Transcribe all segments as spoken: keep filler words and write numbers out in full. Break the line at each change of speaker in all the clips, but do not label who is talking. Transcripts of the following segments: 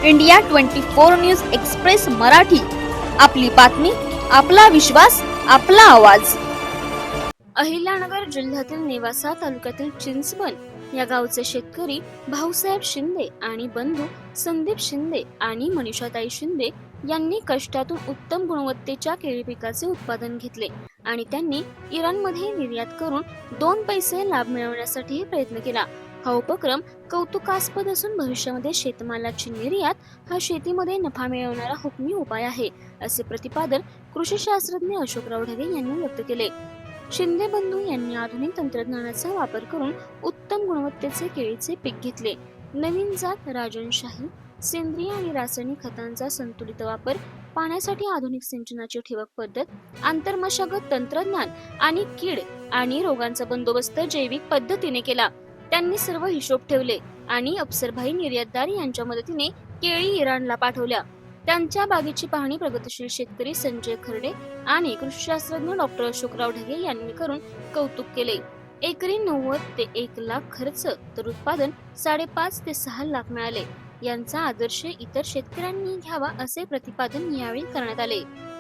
India twenty four news express Marathi, आपली बातमी, आपला विश्वास, आपला आवाज। अहिल्यानगर जिल्ह्यातील नेवासा तालुक्यातील चिंचवण या गावचे शेतकरी भाऊसाहेब शिंदे आणि बंधू संदीप शिंदे आणि मनीषाताई शिंदे यांनी कष्टातून उत्तम गुणवत्तेच्या केळी पिकाचे उत्पादन घेतले आणि त्यांनी इराणमध्ये निर्यात करून दोन पैसे लाभ मिळवण्यासाठी प्रयत्न केला। हा उपक्रम कौतुकास्पद असून भविष्यामध्ये शेतमालाची निर्यात हा शेतीमध्ये नफा मिळवणारा हुकमी उपाय आहे, असे प्रतिपादन कृषी शास्त्रज्ञ अशोकराव ढगे यांनी व्यक्त केले। शिंदे बंधू यांनी आधुनिक तंत्रज्ञानाचा वापर करून उत्तम गुणवत्तेचे केळीचे पीक घेतले। नवीन जात राजनशाही, सेंद्रिय आणि रासायनिक खतांचा संतुलित वापर, पाण्यासाठी आधुनिक सिंचनाची ठिबक पद्धत, आंतरमशागत तंत्रज्ञान आणि कीड आणि रोगांचा बंदोबस्त जैविक पद्धतीने केला। त्यांनी सर्व हिशोब ठेवले आणि अफसरभाई निर्यातदार यांच्या मदतीने केळी इराणला पाठवल्या। त्यांच्या बागेची पाहणी प्रगतीशील शेतकरी संजय खर्डे आणि कृषीशास्त्रज्ञ डॉक्टर अशोकराव ढगे यांनी करून कौतुक केले। एकरी नव्वद ते एक लाख खर्च तर उत्पादन साडेपाच ते सहा लाख मिळाले। यांचा आदर्श इतर शेतकऱ्यांनी घ्यावा, असे प्रतिपादन यावेळी करण्यात आले।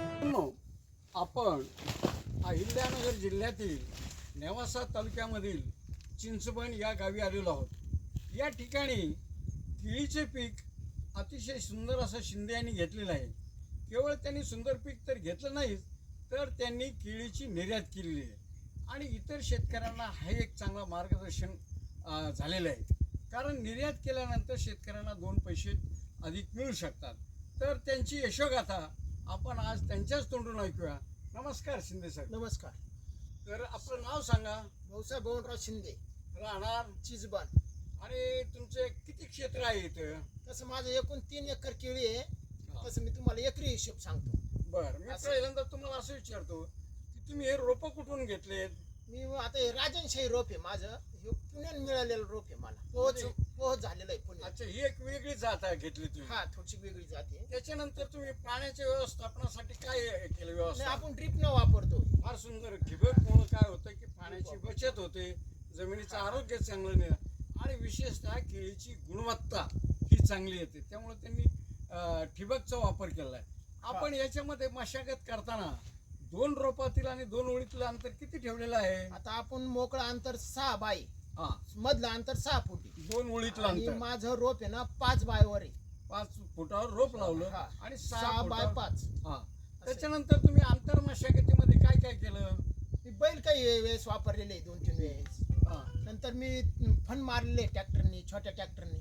आपण अहिल्यानगर जिल्ह्यातील नेवासा तालुक्यामधील चिंचवण या गावी आलेलो आहोत। या ठिकाणी केळीचे पीक अतिशय सुंदर असं शिंदे यांनी घेतलेलं आहे। केवळ त्यांनी सुंदर पीक तर घेतलं नाही, तर त्यांनी केळीची निर्यात केलेली आहे आणि इतर शेतकऱ्यांना हे एक चांगला मार्गदर्शन झालेलं आहे। कारण निर्यात केल्यानंतर शेतकऱ्यांना दोन पैसे अधिक मिळू शकतात। तर त्यांची यशोगाथा आपण आज त्यांच्याच तोंडून ऐकूया। नमस्कार शिंदे साहेब।
नमस्कार।
तर आपलं नाव सांगा।
भाऊसाहेब बळवंतराव शिंदे,
राहणार
चिंचवण।
आणि तुमचे किती क्षेत्र आहे इथं?
तसं माझं एकूण तीन एकर केळी आहे। तसं मी तुम्हाला एकरी हिशोब सांगतो।
बरं, मी पहिल्यांदा तुम्हाला असं विचारतो की तुम्ही हे रोपं कुठून घेतलेत?
मी आता हे राजनशाही रोप आहे माझं, हे पुण्यात मिळालेलं रोप आहे मला, पोहोच पोहोच झालेलं आहे पुण्यात।
अच्छा, ही एक वेगळी जात आहे घेतली तुम्ही?
हा, थोडीशी वेगळी जात आहे।
त्याच्यानंतर तुम्ही पाण्याच्या व्यवस्थापनासाठी काय केलं व्यवस्था?
आपण ड्रिप न वापरतो।
फार सुंदर। ठिबकमुळे काय होतं की पाण्याची बचत होते, जमिनीचं आरोग्य चांगलं नाही आणि विशेषतः केळीची गुणवत्ता ही चांगली येते। त्यामुळे त्यांनी ठिबकचा वापर केला आहे। आपण याच्यामध्ये मशागत करताना दोन रोपातील आणि दोन ओळीतील अंतर किती ठेवलेलं आहे?
आता आपण मोकळं अंतर सहा बाय,
हा,
मधलं अंतर सहा फुटी,
दोन ओळीतलं अंतर।
माझं रोप आहे ना पाच बायवर आहे,
पाच फुटावर रोप लावलं आणि
सहा बाय पाच।
हा, त्याच्यानंतर तुम्ही आंतर मशागतीमध्ये काय काय केलं?
मी बैल काही वेळेस वापरलेले, दोन तीन वेळेस। नंतर मी फन मारलेले ट्रॅक्टरनी, छोट्या ट्रॅक्टरनी,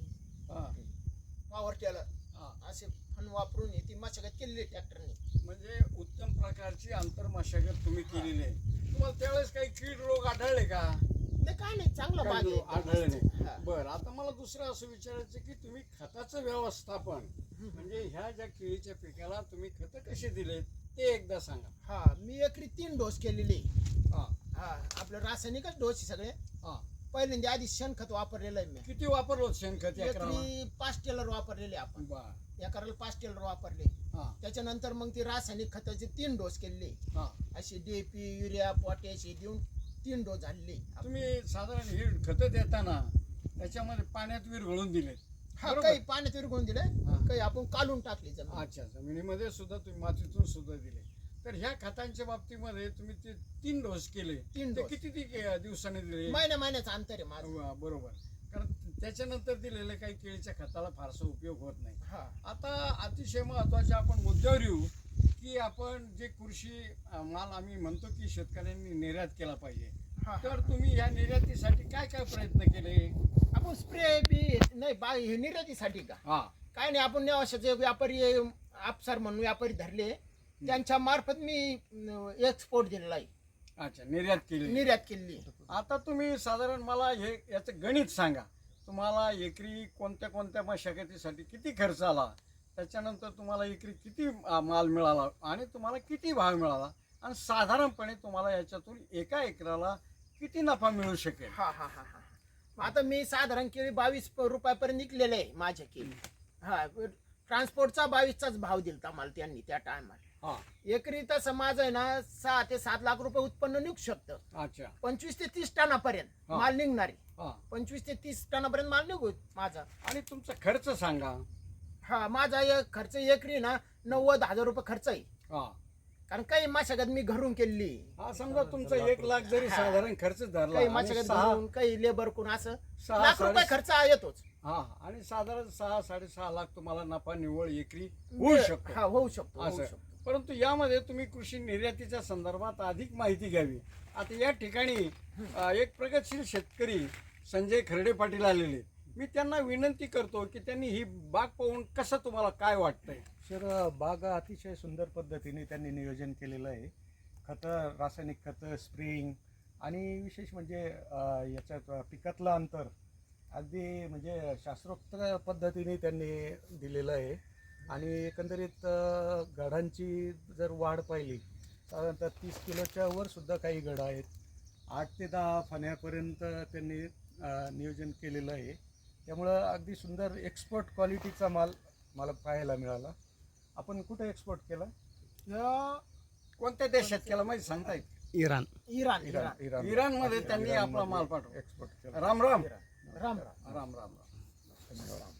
पॉवर टेलर असे फन वापरून ती मशागत केलेली ट्रॅक्टरनी।
म्हणजे उत्तम प्रकारची आंतर मशागत तुम्ही केलेली आहे। तुम्हाला त्यावेळेस काही कीड रोग आढळले का?
नाही, काय नाही, चांगला बाग आहे,
आढळले नाही। बरं, आता मला दुसरं असं विचारायचं की तुम्ही खताचं व्यवस्थापन म्हणजे ह्या ज्या केळीच्या पिकाला तुम्ही खत कसे दिले ते एकदा सांगा।
हा, मी एकरी तीन डोस केलेले।
हा
हा, आपलं रासायनिकच डोस सगळे।
हा,
पहिल्यांदा आधी शेणखत वापरलेलं आहे मी।
किती वापरलो शेणखत?
एकरी पाच टेलर वापरलेले आपण। एकराला पाच टेलर वापरले। त्याच्यानंतर मग ती रासायनिक खताचे तीन डोस केले, असे डीएपी, युरिया, पोटॅश हे देऊन तीन डोस झाले।
तुम्ही साधारण हे खत देताना त्याच्यामध्ये पाण्यात विरघळून दिले?
हा, काही पाण्यात विरघळून दिले, काही आपण काढून टाकले जमीन।
अच्छा, जमिनीमध्ये सुद्धा तुम्ही मातीतून सुद्धा दिले। तर ह्या खतांच्या बाबतीमध्ये तुम्ही ते तीन डोस केले, तीन डोस किती दिवसाने दिले?
महिन्या महिन्याचं अंतर आहे माझं।
बरोबर, कारण त्याच्यानंतर दिलेले काही केळीच्या खताला फारसा उपयोग होत नाही। आता अतिशय महत्वाचे आपण मुद्द्यावर येऊ की आपण जे कृषी माल आम्ही म्हणतो की शेतकऱ्यांनी निर्यात केला पाहिजे, तर तुम्ही या निर्यातीसाठी काय काय प्रयत्न केले?
आपण स्प्रे बी नाही बा हे निर्यातीसाठी का?
हा,
काय नाही, आपण नेवाशाचे व्यापारी अफसर म्हणून व्यापारी धरले, त्यांच्या मार्फत मी एक्सपोर्ट दिलेला आहे।
अच्छा, निर्यात केली,
निर्यात केली।
आता तुम्ही साधारण मला हे याचं गणित सांगा। तुम्हाला एकरी कोणत्या कोणत्या मशागतीसाठी किती खर्च आला, त्याच्यानंतर तुम्हाला एकरी किती माल मिळाला आणि तुम्हाला किती भाव मिळाला आणि साधारणपणे तुम्हाला याच्यातून एका एकराला किती नफा मिळू शकेल?
हा हा हा हा आता मी साधारण केळी बावीस रुपयापर्यंत निघलेले आहे माझ्या केळी। हा, ट्रान्सपोर्टचा बावीसचाच भाव दिलता मला त्यांनी त्या टायमाला। एकरी तसं माझं आहे ना सहा ते सात लाख रुपये उत्पन्न निघू शकतं।
अच्छा,
पंचवीस ते तीस टनापर्यंत माल निघणारे, पंचवीस ते तीस टनापर्यंत माल निघू माझा।
आणि तुमचा खर्च सांगा।
हा माझा एक खर्च एकरी ना नव्वद हजार रुपये खर्च आहे.
हा
कारण काही मशागत मी घरून केली,
हा समजा तुमचा एक लाख जरी साधारण खर्च धरला
काही
आणि
मशागत
सहा
घरून काही लेबर कोण असं
सहा
लाख रुपये
साडे-
खर्च येतोच.
हा आणि साधारण सहा साडेसहा लाख तुम्हाला नफा निव्वळ एकरी होऊ शकतो.
हा होऊ शकतो होऊ
असं.
शकतो.
परंतु यामध्ये तुम्ही कृषी निर्यातीच्या संदर्भात अधिक माहिती घ्यावी. आता या ठिकाणी अ, एक प्रगतशील शेतकरी संजय खर्डे पाटील आलेले, मी त्यांना विनंती करतो की त्यांनी ही बाग पाहून कसं तुम्हाला काय वाटतंय.
सर बाग अतिशय सुंदर पद्धतीने त्यांनी नियोजन केलेलं आहे. खतं, रासायनिक खतं, स्प्रिंग आणि विशेष म्हणजे अ, याच्यात पिकातलं अंतर अगदी म्हणजे शास्त्रोक्त पद्धतीने त्यांनी दिलेलं आहे. आणि एकंदरीत अ, गडांची जर वाढ पाहिली साधारणतः तीस किलोच्या वर सुद्धा काही गड आहेत. आठ ते दहा फण्यापर्यंत त्यांनी अ, नियोजन केलेलं आहे. त्यामुळं अगदी सुंदर एक्सपोर्ट क्वालिटीचा माल मला पाहायला मिळाला. आपण कुठे एक्सपोर्ट केला?
अं,
कोणत्या देशात केला माहिती सांगता येईल?
Iran.
Iran
Iran
Iran
Iran
इराणमध्ये त्यांनी आपला माल पाठवला.
एक्सपोर्ट केला.
राम राम
राम राम
राम राम राम.
धन्यवाद.